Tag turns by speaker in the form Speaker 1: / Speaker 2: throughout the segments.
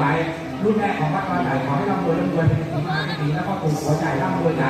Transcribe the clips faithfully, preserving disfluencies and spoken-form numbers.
Speaker 1: ว้รุ่นแรกของวัดบางใหญ่ขอให้ร่ำรวยร่ำรวยเป็นสีมาเป็นสีแล้วก็ปลูกหัวใจร่ำรวยใจ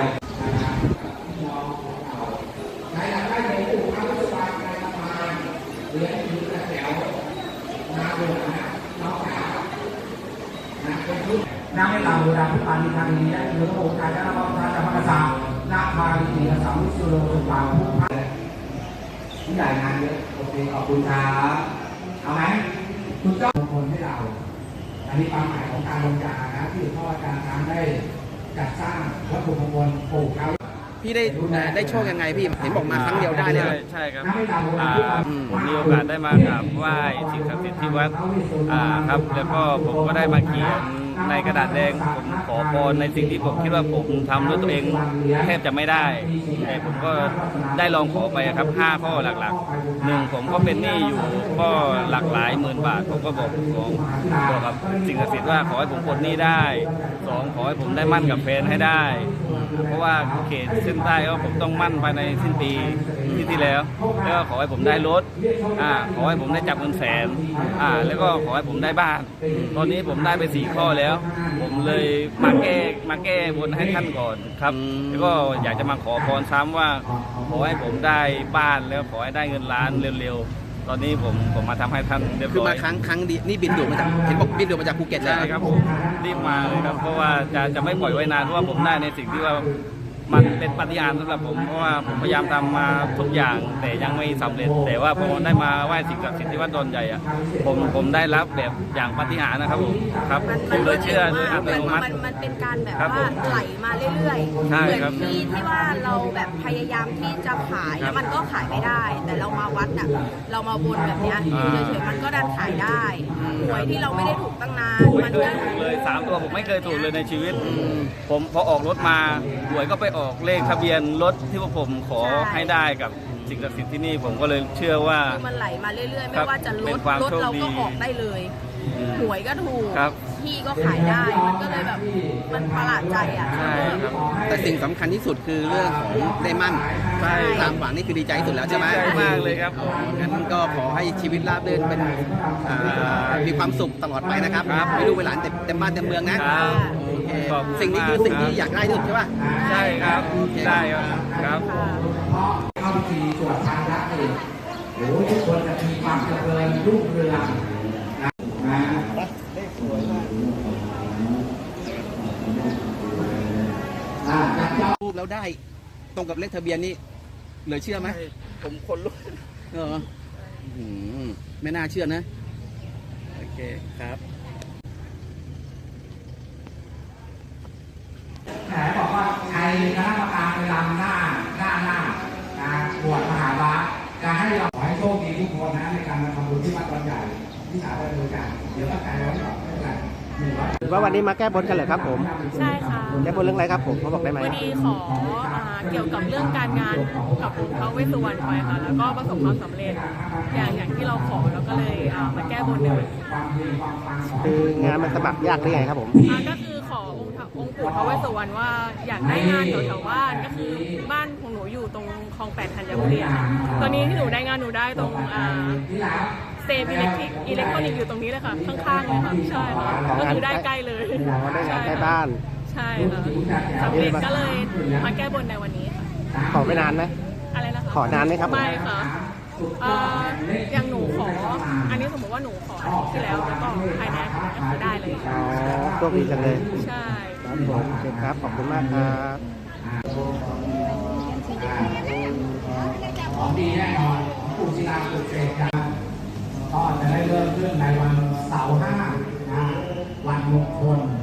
Speaker 1: ใครอยากได้ในปลูกข้าวสารในประมาณเลี้ยงผีกระแถวนาเดือนะน้องสาวนะเป็นรุ่นน้ำให้เราโบราณพุทธานิทานนี้ได้เนื้อโอกาสและรับประทานจากพระกษัตริย์นาคาลีกษัตริย์วิสุโรสุปาผู้พันผู้ใหญ่งานเยอะโอเคขอบคุณครับเอาไหมคุณเจ้ามงคลให้เราอันนี้ความหมายของการลงจานะที่พ่ออาจารย์ช้างได้จัดสร้างวัตถุมงคลปลูกเขา
Speaker 2: พี่ได้ได้โชคยังไงพี่เห็นบอกมาครั้งเดียวได้เลย
Speaker 3: ใช่ครับผมมีโอกาสได้มากราบไหว้สิ่งศักดิ์สิทธิ์ที่วัดครับแล้วก็ผมก็ได้มาเขียนในกระดาษแดงผมขอพรในสิ่งที่ผมคิดว่าผมทำด้วยตัวเองแทบจะไม่ได้แต่ผมก็ได้ลองขอไปครับห้าข้อหลักๆหนึ่งผมก็เป็นหนี้อยู่ก็หลักหลายหมื่นบาทผมก็บอกของบอกกับสิ่งศักดิ์สิทธิ์ว่าขอให้ผมปลดหนี้ได้สองขอให้ผมได้มั่นกับแฟนให้ได้เพราะว่าเขตเส้นใต้ก็ผมต้องมั่นภายในสิ้นปีที่ที่แล้วแล้วก็ขอให้ผมได้รถอ่าขอให้ผมได้จับเงินแสนอ่าแล้วก็ขอให้ผมได้บ้านตอนนี้ผมได้ไปสี่ข้อแล้วผมเลยมาแก้มาแก้บนให้ท่านก่อนครับแล้วก็อยากจะมาขอพรซ้ำว่าขอให้ผมได้บ้านแล้วขอให้ได้เงินล้านเร็วๆตอนนี้ผมผมมาทำให้ท่านเรียบร้อย
Speaker 2: คือมาครั้งครั้งดีนี่บินด่วนมาจากเห็นบอกบินด่วนมาจากภูเก็ตเลย
Speaker 3: ใช่ครับผมรีบมาเลยครับเพราะว่าจะจะไม่ปล่อยไว้นานเพราะว่าผมได้ในสิ่งที่ว่ามันเป็นปาฏิหาริย์สำหรับผมเพราะว่าผมพยายามทำมาทุกอย่างแต่ยังไม่สำเร็จแต่ว่าพอได้มาไหว้สิ่งศักดิ์สิทธิ์ที่วัดดอนใหญ่อะผมผมได้รับแบบอย่างปาฏิหาริย์นะครับผมครับผมเลยเชื่อโดยอัตโนมัติ
Speaker 4: มันเป็นการแบบว่าไหลมาเรื่อยๆเหมือนที่ที่ว่าเราแบบพยายามที่จะขายแล้วมันก็ขายไม่ได้แต่เรามาวัดน่ะเรามาบนแบบนี้เฉยๆมันก็ดันขายได้หวยที่เราไม่ได้ถูกตั้งนาน
Speaker 3: มันก็เลยสามตัวผมไม่เคยถูกเลยในชีวิตผมพอออกรถมาหวยก็ไปออกเลขทะเบียนรถที่พวกผมขอให้ได้กับสิ่งศักดิ์สิทธิ์ที่นี่ผมก็เลยเชื่อว่า
Speaker 4: มันไหลมาเรื่อยๆไม่ว่าจะรถรถเราก็ออกได้เลยหวยก็ถูกที่ก็ขายได้มันก็เลยแบบมันประหลาดใจอ่ะ
Speaker 2: แต่สิ่งสำคัญที่สุดคือเรื่องของได้มั่นตามหวังนี่คือดีใจที่สุดแล้วใช่ไหม
Speaker 3: ดีใจมากเลยครับ
Speaker 2: งั้นก็ขอให้ชีวิตราบรื่นเป็นมีความสุขตลอดไปนะครับไม่รู้เวลาเต็มบ้านเต็มเมืองนะสิ่งนี้คือสิ่งที่อยากได้ที่สุดใช่ป่ะ
Speaker 3: ใช่ครับได้ครับ
Speaker 1: เข้าพิธีสวดทานพระเองโอ้ทุกคนจะมีความเจริญรุ่งเรืองนะ
Speaker 2: รูปแล้วได้ตรงกับเลขทะเบียนนี่เหลือเชื่อไหม
Speaker 3: ผมคนลุก
Speaker 2: เออไม่น่าเชื่อนะโอเคครับ
Speaker 1: แหมบอกว่าใครคณะกรรมการไปรำหน้าหน้าหน้าบวชมหาบาจะให้เราขอให้โชคดีทุกคนนะในการมาทำบุญที่วัดบางใหญ่ที่สาธารณะการเดี๋ยวก็กลายเป็นว่าไม่เป็นไร
Speaker 2: ว่าวันนี้มาแก้บนกันเหรอครับผม
Speaker 4: ใช่ค่ะ
Speaker 2: แก้บนเรื่องอะไรครับผมเขาบอกได้ไหม
Speaker 4: วันนี้ขอเกี่ยวกับเรื่องการงานกับพระเวสสุวรรณไปค่ะแล้วก็ประสบความสำเร็จอย่างอย่างที่เราขอแล้วก็เลยมาแก้บนในวันนี้
Speaker 2: คืองานมันสมัครยากหรือไงครับผม
Speaker 4: ก็คือขอองค์องค์ปู่พระเวสสุวรรณว่าอยากได้งานแถวๆบ้านก็คือบ้านของหนูอยู่ตรงคลองแปดธัญบุรีค่ะตอนนี้ที่หนูได้งานหนูได้ตรงเซฟอิเล็กทริกอิเล็กทรอนิกส์อยู่ตรงนี้เลยค่ะข้างๆเลยค่ะใช่ค่ะก็คือได้ใกล้เลย
Speaker 2: ได้งานใกล้บ้าน
Speaker 4: ใช่ค่ะสำเร็จก็เลยมาแก้บนในวันนี้ค่ะ
Speaker 2: ขอไม่นานไหม
Speaker 4: อะไรนะคะ
Speaker 2: ขอนานไหมครับ
Speaker 4: ไม่ค่ะอย่างหนูขออันนี้สมมติว่าหนูขออาทิตย์ที่แล้วแล้วก็ภายในอาทิตย์ก็คือได้เลย
Speaker 2: อ๋อโชคดีจังเลย
Speaker 4: ใช่
Speaker 2: ครับผมโอเคครับขอบคุณมากครับ
Speaker 1: ของดีแน่นอนปู่ศิลาปู่เสกกันก็จะได้เริ่มขึ้นในวันเสาร์ห้าวันมงคล